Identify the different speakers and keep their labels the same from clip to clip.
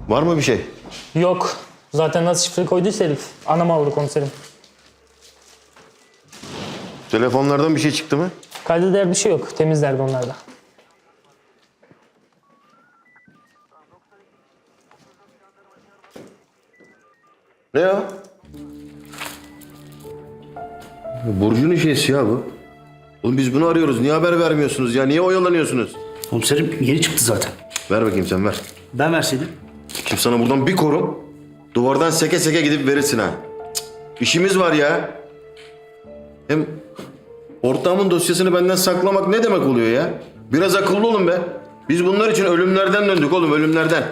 Speaker 1: Var mı bir şey?
Speaker 2: Yok. Zaten nasıl şifre koyduysa herif. Anam aldı komiserim.
Speaker 1: Telefonlardan bir şey çıktı mı?
Speaker 2: Kayda değer bir şey yok. Temizlerdi onlar da.
Speaker 1: Ne ya? Burcu'nun şeysi ya bu. Oğlum biz bunu arıyoruz. Niye haber vermiyorsunuz ya? Niye oyalanıyorsunuz?
Speaker 3: Komiserim yeni çıktı zaten.
Speaker 1: Ver bakayım sen ver.
Speaker 3: Ben verseydim.
Speaker 1: Şimdi sana buradan bir korum. Duvardan seke seke gidip verirsin ha. Cık, İşimiz var ya. Hem ortağımın dosyasını benden saklamak ne demek oluyor ya? Biraz akıllı olun be. Biz bunlar için ölümlerden döndük oğlum, ölümlerden.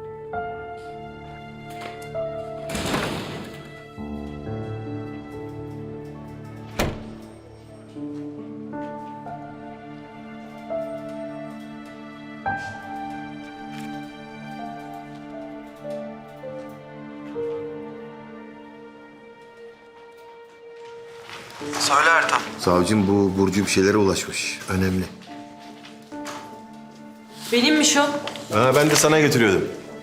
Speaker 4: Söyle Ertan.
Speaker 1: Savcım bu Burcu bir şeylere ulaşmış. Önemli.
Speaker 5: Benimmiş o.
Speaker 1: Ha, ben de sana getiriyordum.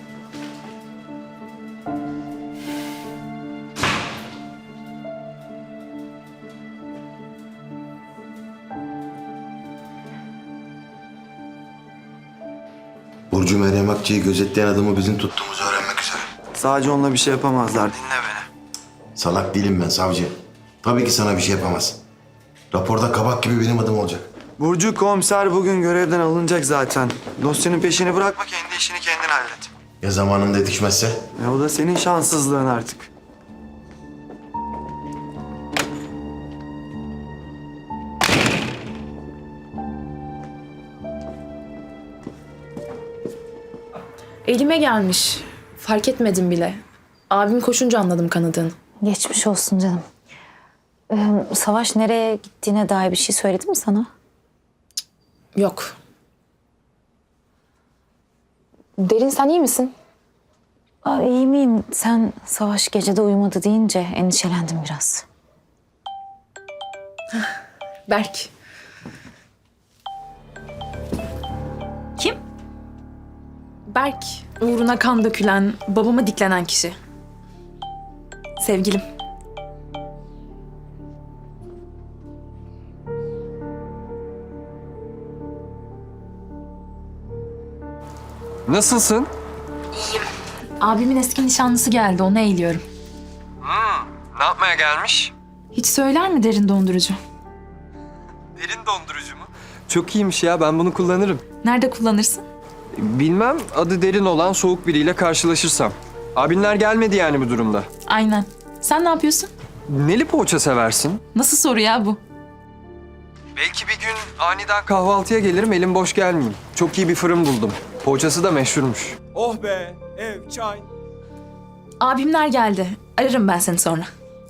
Speaker 1: Burcu Meryem Akçı'yı gözetleyen adamı bizim tuttuğumuzu öğrenmek üzere.
Speaker 4: Sadece onunla bir şey yapamazlar. Dinle beni.
Speaker 1: Salak değilim ben savcı. Tabii ki sana bir şey yapamaz. Raporda kabak gibi benim adım olacak.
Speaker 4: Burcu komiser bugün görevden alınacak zaten. Dosyanın peşini bırakma, kendi işini kendin hallet.
Speaker 1: Ya zamanında yetişmezse?
Speaker 4: O da senin şanssızlığın artık.
Speaker 5: Elime gelmiş. Fark etmedim bile. Abim koşunca anladım kanadığını.
Speaker 6: Geçmiş olsun canım. Savaş nereye gittiğine dair bir şey söyledi mi sana?
Speaker 5: Yok. Derin sen iyi misin?
Speaker 6: İyi miyim? Sen Savaş gecede uyumadı deyince endişelendim biraz.
Speaker 5: Berk.
Speaker 6: Kim?
Speaker 5: Berk. Uğruna kan dökülen, babama diklenen kişi. Sevgilim.
Speaker 7: Nasılsın?
Speaker 5: Abimin eski nişanlısı geldi, onu eğiliyorum.
Speaker 7: Ne yapmaya gelmiş?
Speaker 5: Hiç söyler mi derin dondurucu?
Speaker 7: Derin dondurucu mu? Çok iyiymiş ya, ben bunu kullanırım.
Speaker 5: Nerede kullanırsın?
Speaker 7: Bilmem, adı derin olan soğuk biriyle karşılaşırsam. Abinler gelmedi yani bu durumda.
Speaker 5: Aynen. Sen ne yapıyorsun?
Speaker 7: Neli poğaça seversin?
Speaker 5: Nasıl soru ya bu?
Speaker 7: Belki bir gün aniden kahvaltıya gelirim, elim boş gelmeyeyim. Çok iyi bir fırın buldum. Poğaçası da meşhurmuş.
Speaker 8: Oh be, ev, çay.
Speaker 5: Abimler geldi. Ararım ben seni sonra.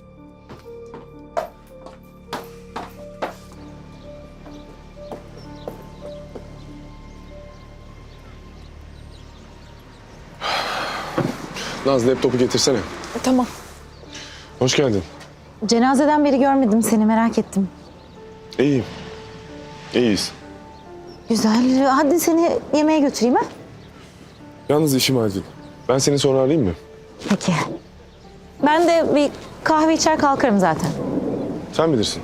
Speaker 8: Naz laptopu getirsene.
Speaker 6: Tamam.
Speaker 8: Hoş geldin.
Speaker 6: Cenazeden beri görmedim seni, merak ettim.
Speaker 8: İyiyim. İyiyiz.
Speaker 6: Güzel. Hadi seni yemeğe götüreyim ha?
Speaker 8: Yalnız işim acil. Ben seni sonra arayayım mı?
Speaker 6: Peki. Ben de bir kahve içer kalkarım zaten.
Speaker 8: Sen bilirsin.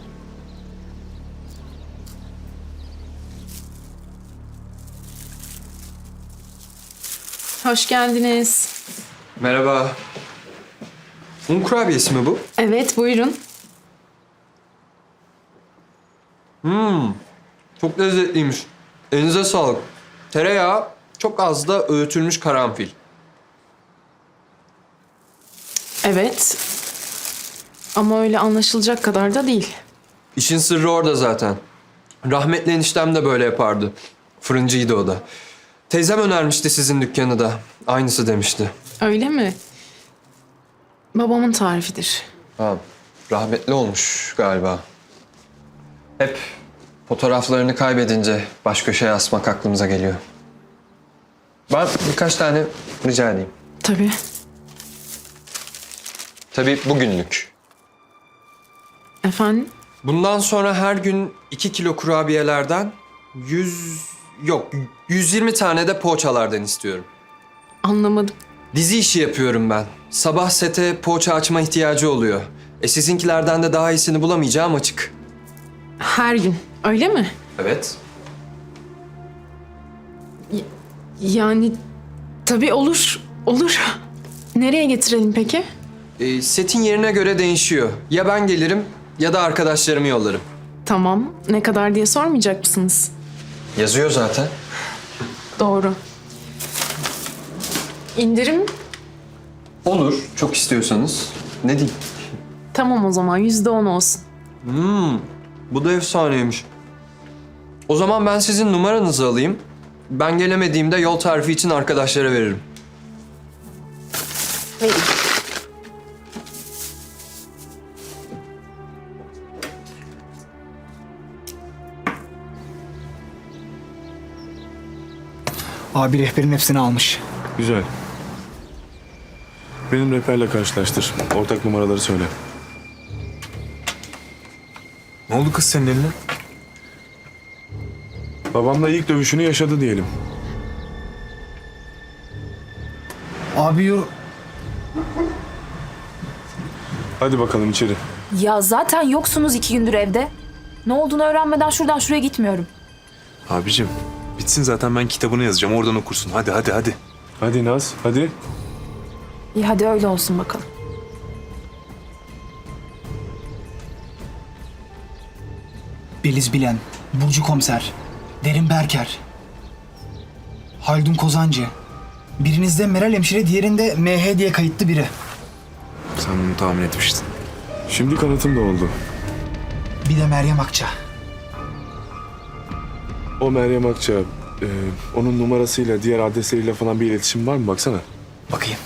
Speaker 5: Hoş geldiniz.
Speaker 7: Merhaba. Un kurabiyesi mi bu?
Speaker 5: Evet, buyurun.
Speaker 7: Çok lezzetliymiş. Elinize sağlık. Tereyağı, çok az da öğütülmüş karanfil.
Speaker 5: Evet. Ama öyle anlaşılacak kadar da değil.
Speaker 7: İşin sırrı orada zaten. Rahmetli eniştem de böyle yapardı. Fırıncıydı o da. Teyzem önermişti sizin dükkanı da. Aynısı demişti.
Speaker 5: Öyle mi? Babamın tarifidir.
Speaker 7: Ha, rahmetli olmuş galiba. Hep fotoğraflarını kaybedince baş köşeye asmak aklımıza geliyor. Ben birkaç tane rica edeyim.
Speaker 5: Tabii.
Speaker 7: Tabii bugünlük.
Speaker 5: Efendim?
Speaker 7: Bundan sonra her gün 2 kilo kurabiyelerden 120 tane de poğaçalardan istiyorum.
Speaker 9: Anlamadım.
Speaker 7: Dizi işi yapıyorum ben. Sabah sete poğaça açma ihtiyacı oluyor. Sizinkilerden de daha iyisini bulamayacağım açık.
Speaker 9: Her gün. Öyle mi?
Speaker 7: Evet.
Speaker 9: Yani tabii olur. Olur. Nereye getirelim peki?
Speaker 7: Setin yerine göre değişiyor. Ya ben gelirim ya da arkadaşlarımı yollarım.
Speaker 9: Tamam. Ne kadar diye sormayacak mısınız?
Speaker 7: Yazıyor zaten.
Speaker 9: Doğru. İndirim?
Speaker 7: Olur, çok istiyorsanız. Ne diyeyim?
Speaker 9: Tamam o zaman %10 olsun.
Speaker 7: Bu da efsaneymiş. O zaman ben sizin numaranızı alayım. Ben gelemediğimde yol tarifi için arkadaşlara veririm.
Speaker 10: Abi rehberin hepsini almış.
Speaker 8: Güzel. Benim rehberle karşılaştır. Ortak numaraları söyle.
Speaker 11: Ne oldu kız senin eline?
Speaker 8: Babamla ilk dövüşünü yaşadı diyelim.
Speaker 10: Abi
Speaker 8: Hadi bakalım içeri.
Speaker 5: Ya zaten yoksunuz 2 gündür evde. Ne olduğunu öğrenmeden şuradan şuraya gitmiyorum.
Speaker 11: Abicim bitsin zaten, ben kitabını yazacağım, oradan okursun. Hadi hadi hadi.
Speaker 8: Hadi Naz, hadi.
Speaker 5: İyi hadi öyle olsun bakalım.
Speaker 10: Beliz Bilen, Burcu Komiser, Derin Berker, Haldun Kozancı. Birinizde Meral Hemşire, diğerinde MH diye kayıtlı biri.
Speaker 11: Sen bunu tahmin etmiştin.
Speaker 8: Şimdi kanıtım da oldu.
Speaker 10: Bir de Meryem Akça.
Speaker 8: O Meryem Akça, onun numarasıyla, diğer adresleriyle falan bir iletişim var mı? Baksana.
Speaker 10: Bakayım.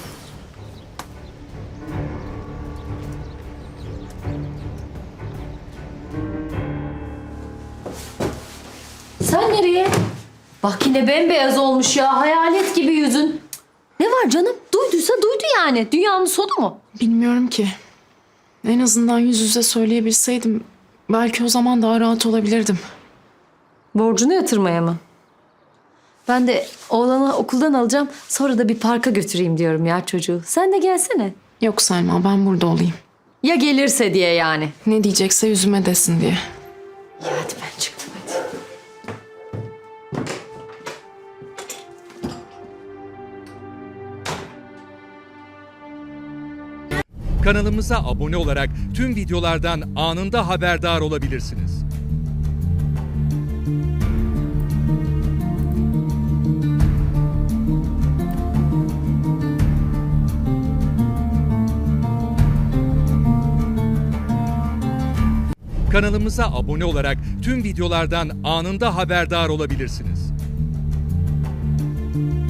Speaker 12: Sen nereye? Bak yine bembeyaz olmuş ya. Hayalet gibi yüzün. Ne var canım? Duyduysa duydu yani. Dünyanın sonu mu?
Speaker 9: Bilmiyorum ki. En azından yüz yüze söyleyebilseydim belki o zaman daha rahat olabilirdim.
Speaker 12: Borcunu yatırmaya mı? Ben de oğlanı okuldan alacağım. Sonra da bir parka götüreyim diyorum ya çocuğu. Sen de gelsene.
Speaker 9: Yok Selma, ben burada olayım.
Speaker 12: Ya gelirse diye yani.
Speaker 9: Ne diyecekse yüzüme desin diye.
Speaker 12: Ya hadi ben çıktım hadi.
Speaker 13: Kanalımıza abone olarak tüm videolardan anında haberdar olabilirsiniz. Kanalımıza abone olarak tüm videolardan anında haberdar olabilirsiniz.